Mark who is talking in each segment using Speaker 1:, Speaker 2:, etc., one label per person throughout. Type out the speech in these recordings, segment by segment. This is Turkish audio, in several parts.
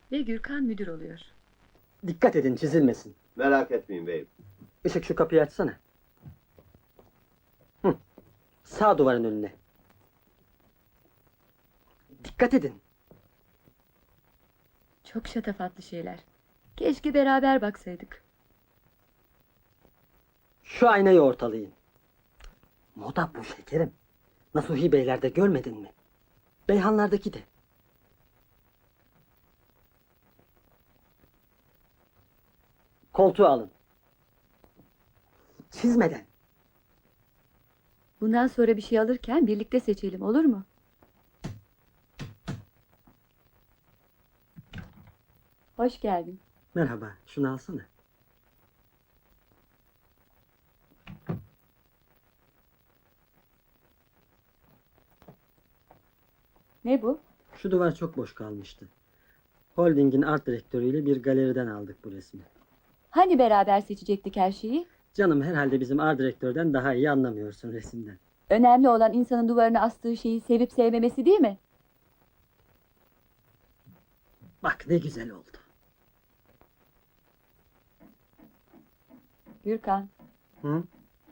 Speaker 1: Ve Gürkan müdür oluyor.
Speaker 2: Dikkat edin çizilmesin.
Speaker 3: Merak etmeyin beyim.
Speaker 2: Işık şu kapıyı açsana. Hı. Sağ duvarın önüne. Dikkat edin.
Speaker 1: Çok şatafatlı şeyler. Keşke beraber baksaydık.
Speaker 2: Şu aynayı ortalayın. Moda bu şekerim. Nasuhi Beylerde görmedin mi? Beyhanlardaki de. Koltuğu alın. Çizmeden.
Speaker 1: Bundan sonra bir şey alırken birlikte seçelim, olur mu? Hoş geldin.
Speaker 2: Merhaba, şunu alsana.
Speaker 1: Ne bu?
Speaker 2: Şu duvar çok boş kalmıştı. Holding'in art direktörüyle bir galeriden aldık bu resmi.
Speaker 1: Hani beraber seçecektik her şeyi?
Speaker 2: Canım herhalde bizim art direktörden daha iyi anlamıyorsun resimden.
Speaker 1: Önemli olan insanın duvarına astığı şeyi sevip sevmemesi değil mi?
Speaker 2: Bak ne güzel oldu.
Speaker 1: Gürkan,
Speaker 2: Hı?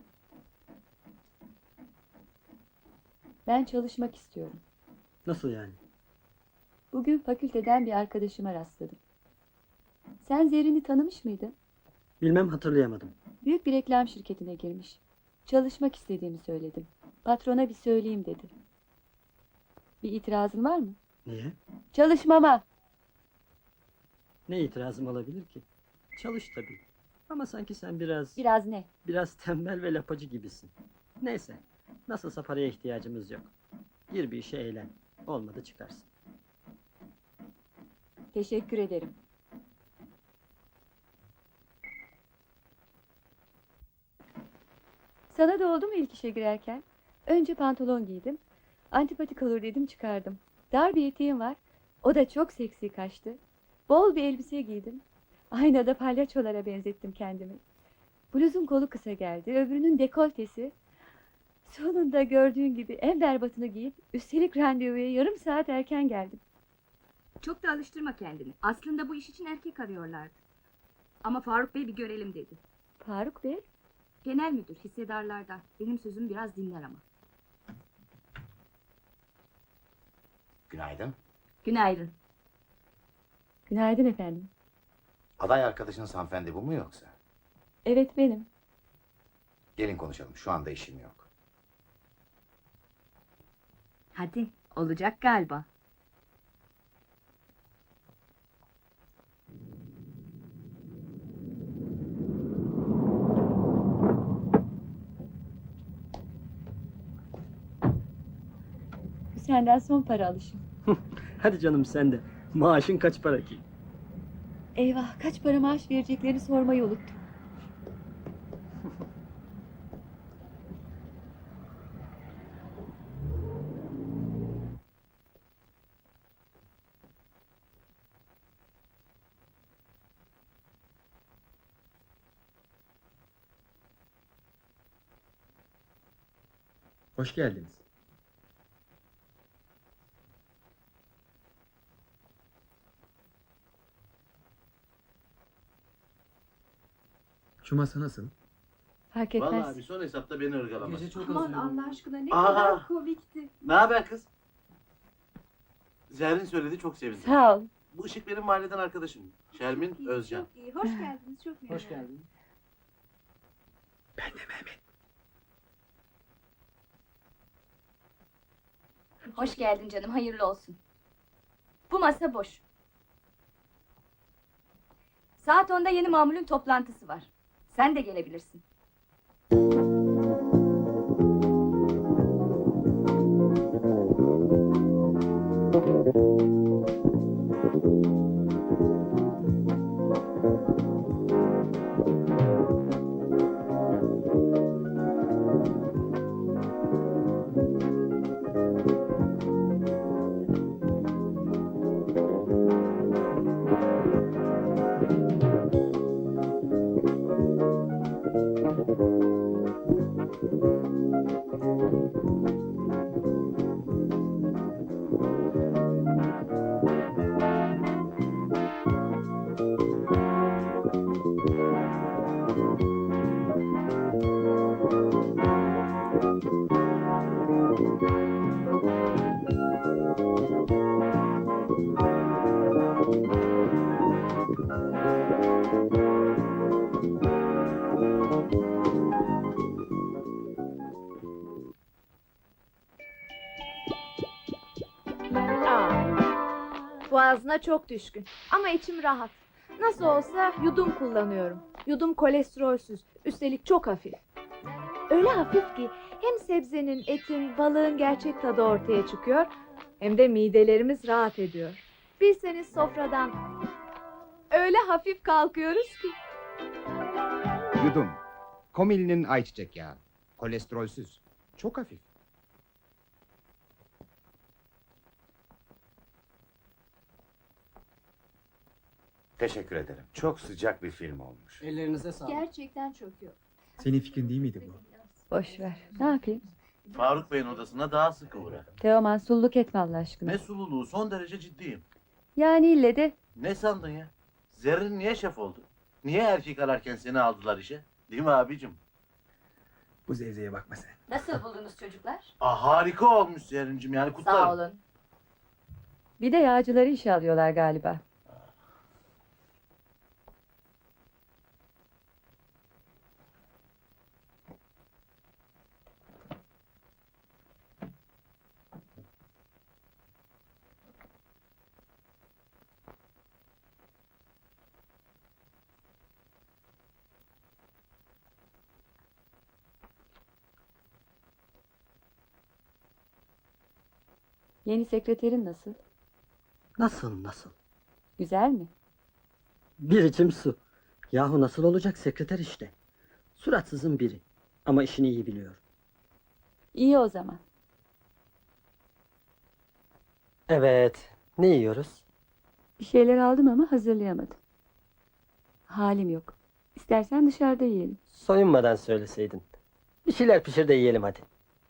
Speaker 1: ben çalışmak istiyorum.
Speaker 2: Nasıl yani?
Speaker 1: Bugün fakülteden bir arkadaşıma rastladım. Sen Zerrin'i tanımış mıydın?
Speaker 2: Bilmem, hatırlayamadım.
Speaker 1: Büyük bir reklam şirketine girmiş. Çalışmak istediğimi söyledim. Patrona bir söyleyeyim dedi. Bir itirazın var mı?
Speaker 2: Niye?
Speaker 1: Çalışmama.
Speaker 2: Ne itirazım olabilir ki? Çalış tabii. Ama sanki sen
Speaker 1: Biraz ne?
Speaker 2: biraz tembel ve lapacı gibisin. Neyse, nasılsa paraya ihtiyacımız yok. Gir bir işe eğlen. Olmadı çıkarsın.
Speaker 1: Teşekkür ederim. Sana da oldu mu ilk işe girerken? Önce pantolon giydim. Antipatik olur dedim, çıkardım. Dar bir eteğim var. O da çok seksi kaçtı. Bol bir elbise giydim. Aynada palyaçolara benzettim kendimi. Bluzun kolu kısa geldi. Öbürünün dekoltesi. Sonunda gördüğün gibi en berbatını giyip üstelik randevuya yarım saat erken geldim.
Speaker 4: Çok da alıştırma kendini. Aslında bu iş için erkek arıyorlardı. Ama Faruk Bey bir görelim dedi.
Speaker 1: Faruk Bey,
Speaker 4: Genel müdür, hissedarlardan. Benim sözümü biraz dinler ama.
Speaker 5: Günaydın.
Speaker 4: Günaydın.
Speaker 1: günaydın efendim.
Speaker 5: Aday arkadaşınız hanımefendi bu mu yoksa?
Speaker 1: Evet, benim.
Speaker 5: Gelin konuşalım. Şu anda işim yok.
Speaker 4: Hadi, olacak galiba.
Speaker 1: Bu senden son para alışım.
Speaker 2: Hadi canım sen de. Maaşın kaç para ki?
Speaker 1: Eyvah, kaç para maaş vereceklerini sormayı unuttum.
Speaker 6: Hoş geldiniz. Şu masa nasıl?
Speaker 1: Fark etmez.
Speaker 3: Vallahi bir son hesapta beni ırgalamaz.
Speaker 4: Aman Allah aşkına ne
Speaker 3: Aa!
Speaker 4: kadar komikti.
Speaker 3: Ne haber kız? Zerrin söyledi, çok sevindim.
Speaker 1: Sağ ol.
Speaker 3: Bu Işık benim mahalleden arkadaşım. Şermin Özcan.
Speaker 4: Çok iyi. Hoş geldiniz. Çok iyi.
Speaker 2: Hoş geldin.
Speaker 6: Ben de Mehmet.
Speaker 4: Hoş geldin canım. Hayırlı olsun. Bu masa boş. Saat 10'da yeni mamulün toplantısı var. Sen de gelebilirsin.
Speaker 7: ağzına çok düşkün. Ama içim rahat. Nasıl olsa yudum kullanıyorum. Yudum kolesterolsüz. Üstelik çok hafif. Öyle hafif ki hem sebzenin, etin, balığın gerçek tadı ortaya çıkıyor, hem de midelerimiz rahat ediyor. Bilseniz sofradan öyle hafif kalkıyoruz ki.
Speaker 8: Yudum. Komil'in ayçiçek yağı. Kolesterolsüz. Çok hafif.
Speaker 5: Teşekkür ederim. Çok sıcak bir film olmuş.
Speaker 2: Ellerinize sağlık.
Speaker 7: Gerçekten çöküyor.
Speaker 6: Senin fikrin değil miydi bu?
Speaker 1: Boş ver. Ne yapayım?
Speaker 3: Faruk Bey'in odasına daha sık uğra.
Speaker 1: Teoman sulluk etme Allah aşkına.
Speaker 3: Ne sululuğu, son derece ciddiyim.
Speaker 1: Yani ille de
Speaker 3: Ne sandın ya? Zerrin niye şef oldu? Niye erkek ararken seni aldılar işe? Değil mi abicim?
Speaker 6: Bu zevzeye bakma sen.
Speaker 1: nasıl buldunuz çocuklar?
Speaker 3: Harika olmuş Zerrin'cim, yani kutlarım.
Speaker 1: Sağ olun. Bir de yağcıları işe alıyorlar galiba. Yeni sekreterin nasıl?
Speaker 2: Nasıl?
Speaker 1: Güzel mi?
Speaker 2: Bir içim su. Yahu nasıl olacak, sekreter işte. Suratsızın biri. Ama işini iyi biliyor.
Speaker 1: İyi o zaman.
Speaker 2: Evet. Ne yiyoruz?
Speaker 1: Bir şeyler aldım ama hazırlayamadım. Halim yok. İstersen dışarıda yiyelim.
Speaker 2: Soyunmadan söyleseydin. Bir şeyler pişir de yiyelim hadi.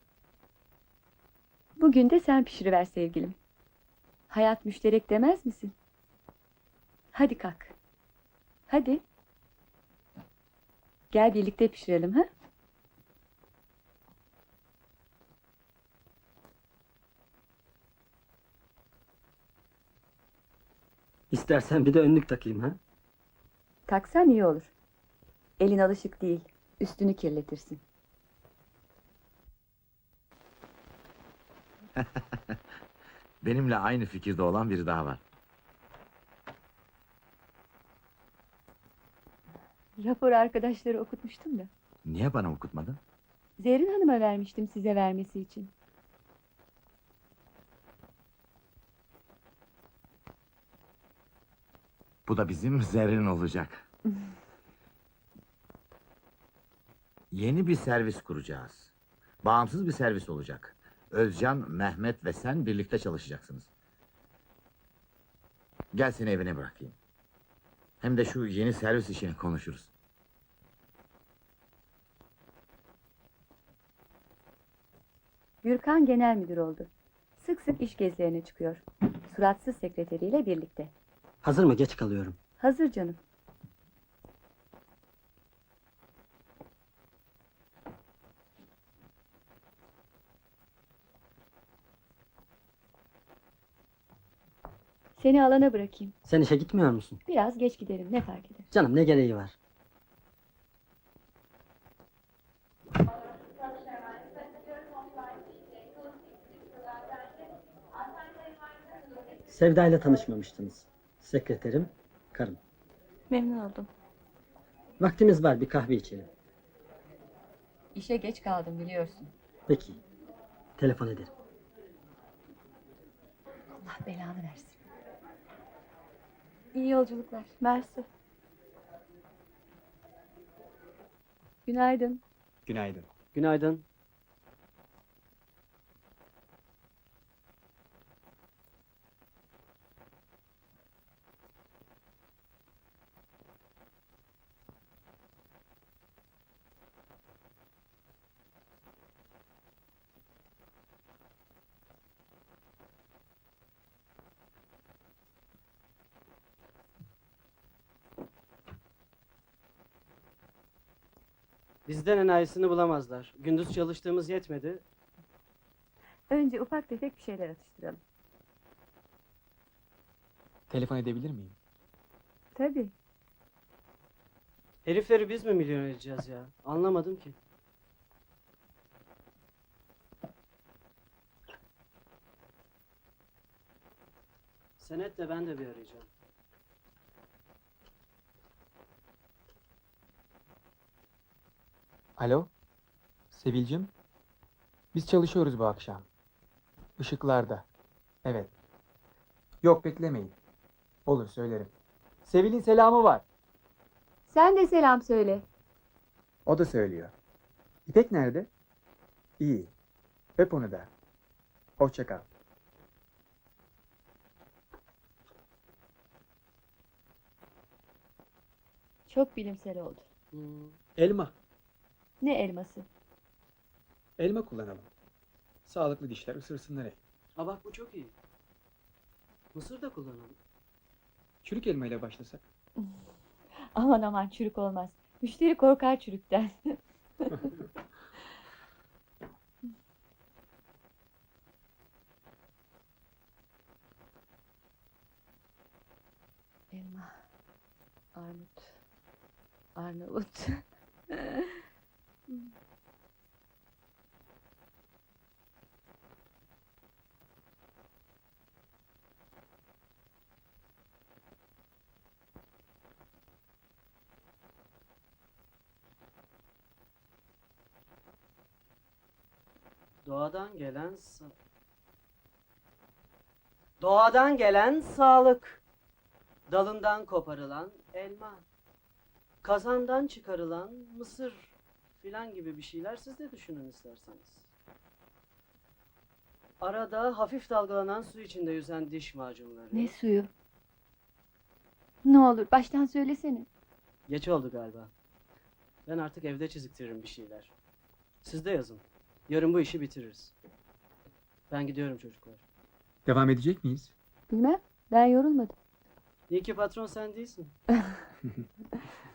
Speaker 1: Bugün de sen pişiriver sevgilim. Hayat müşterek demez misin? Hadi kalk. Hadi. Gel birlikte pişirelim ha?
Speaker 2: İstersen bir de önlük takayım ha.
Speaker 1: Taksan iyi olur. Elin alışık değil. Üstünü kirletirsin.
Speaker 5: Benimle aynı fikirde olan biri daha var.
Speaker 1: Rapor arkadaşları okutmuştum da.
Speaker 5: Niye bana okutmadın?
Speaker 1: Zerrin Hanım'a vermiştim size vermesi için.
Speaker 5: Bu da bizim Zerrin olacak. Yeni bir servis kuracağız. Bağımsız bir servis olacak. Özcan, Mehmet ve sen birlikte çalışacaksınız. Gel seni evine bırakayım. Hem de şu yeni servis işini konuşuruz.
Speaker 1: Gürkan genel müdür oldu. Sık sık iş gezilerine çıkıyor. Suratsız sekreteriyle birlikte.
Speaker 2: Hazır mı? Geç kalıyorum.
Speaker 1: Hazır canım. Seni alana bırakayım.
Speaker 2: Sen işe gitmiyor musun?
Speaker 1: Biraz geç giderim, ne fark eder?
Speaker 2: Canım, ne gereği var? Sevda ile tanışmamıştınız. Sekreterim, karım.
Speaker 1: Memnun oldum.
Speaker 2: Vaktimiz var, bir kahve içelim.
Speaker 1: İşe geç kaldım biliyorsun.
Speaker 2: Peki, telefon ederim.
Speaker 1: Allah belanı versin. İyi yolculuklar. Mersi. Günaydın.
Speaker 6: Günaydın.
Speaker 2: Günaydın.
Speaker 9: Bizden enayisini bulamazlar. Gündüz çalıştığımız yetmedi.
Speaker 1: Önce ufak tefek bir şeyler atıştıralım.
Speaker 6: Telefon edebilir miyim?
Speaker 1: Tabii.
Speaker 9: Herifleri biz mi milyon edeceğiz ya? Anlamadım ki. Senetle ben de bir arayacağım.
Speaker 6: Alo? Sevilcim? Biz çalışıyoruz bu akşam. Işıklarda. Evet. Yok beklemeyin. Olur söylerim. Sevil'in selamı var.
Speaker 1: Sen de selam söyle.
Speaker 6: O da söylüyor. İpek nerede? İyi. Öp onu da. Hoşça kal.
Speaker 1: Çok bilimsel oldu.
Speaker 6: Elma.
Speaker 1: Ne elması?
Speaker 6: Elma kullanalım. Sağlıklı dişler ısırsınlar hep.
Speaker 9: Ha bak bu çok iyi. Mısır da kullanalım.
Speaker 6: Çürük elma ile başlasak.
Speaker 1: Aman aman, çürük olmaz. Müşteri korkar çürükten. Elma, armut, Arnavut.
Speaker 9: Doğadan gelen Doğadan gelen sağlık. Dalından koparılan elma. Kazandan çıkarılan mısır filan gibi bir şeyler siz de düşünün isterseniz. Arada hafif dalgalanan su içinde yüzen diş macunları.
Speaker 1: Ne suyu? Ne olur baştan söylesene.
Speaker 9: Geç oldu galiba. Ben artık evde çiziktiririm bir şeyler. Siz de yazın. Yarın bu işi bitiririz. Ben gidiyorum çocuklar.
Speaker 6: Devam edecek miyiz?
Speaker 1: Bilmem, ben yorulmadım.
Speaker 9: İyi ki patron sen değilsin.